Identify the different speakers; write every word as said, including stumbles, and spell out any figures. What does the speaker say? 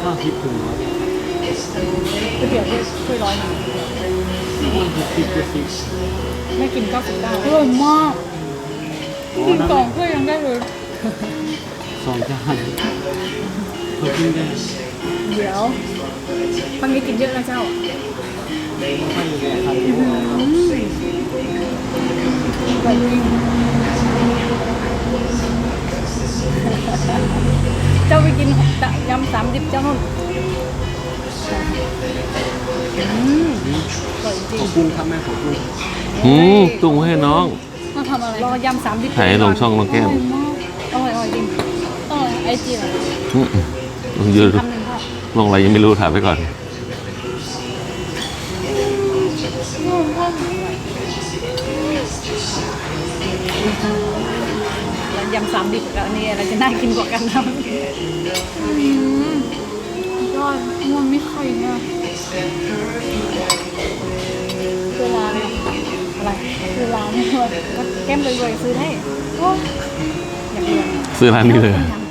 Speaker 1: ห้าสิบถึงร้อย
Speaker 2: ก๋วยเตี๋ยวถ้วยร้อยหนึ่ง
Speaker 1: มันหกสิบเจ็ดสิบ
Speaker 2: ไม่กินเก้าสิบเก้าอร่อยมากกินสองถ้วยยังได้เลย
Speaker 1: สองจานเพิ่มขึ้นได้
Speaker 2: เดี๋ยวบางทีกินเยอะนะเจ้า
Speaker 1: ให้อยู่แก่ใคร
Speaker 2: อืมอร่อยจริงเจ้าไปกินยำสามดิบเจ้านุ่นอืมอร่อยจริ
Speaker 1: ข
Speaker 2: ง
Speaker 1: อบคุณครับแม่ขอบคุณ
Speaker 3: อืมตุ้งไว้ให้น้อง
Speaker 2: มาทำอะไรรอยำสามดิบ
Speaker 3: ถ่ายลงช่องน้องแก้ม
Speaker 2: อร่อยมากอร่อยอร่อยจริงอร่อยไอจีเหรอ
Speaker 3: อืมลงยืน
Speaker 2: คำหนึ่งค่ะ
Speaker 3: ลงอะไรยังไม่รู้ถ่ายไปก่อน
Speaker 2: แล้วยำสามดิบกับอันนี้อะไรจะน่ากินกว่ากันนะยอดมันไม่ไข่เนี่ยคือร้านอะไรคือร้านเนี่ยก็แก้มรวยๆซื้อได้โอ้ยอยากเรียน
Speaker 3: ซื้อร้านนี้เลย
Speaker 2: อยาก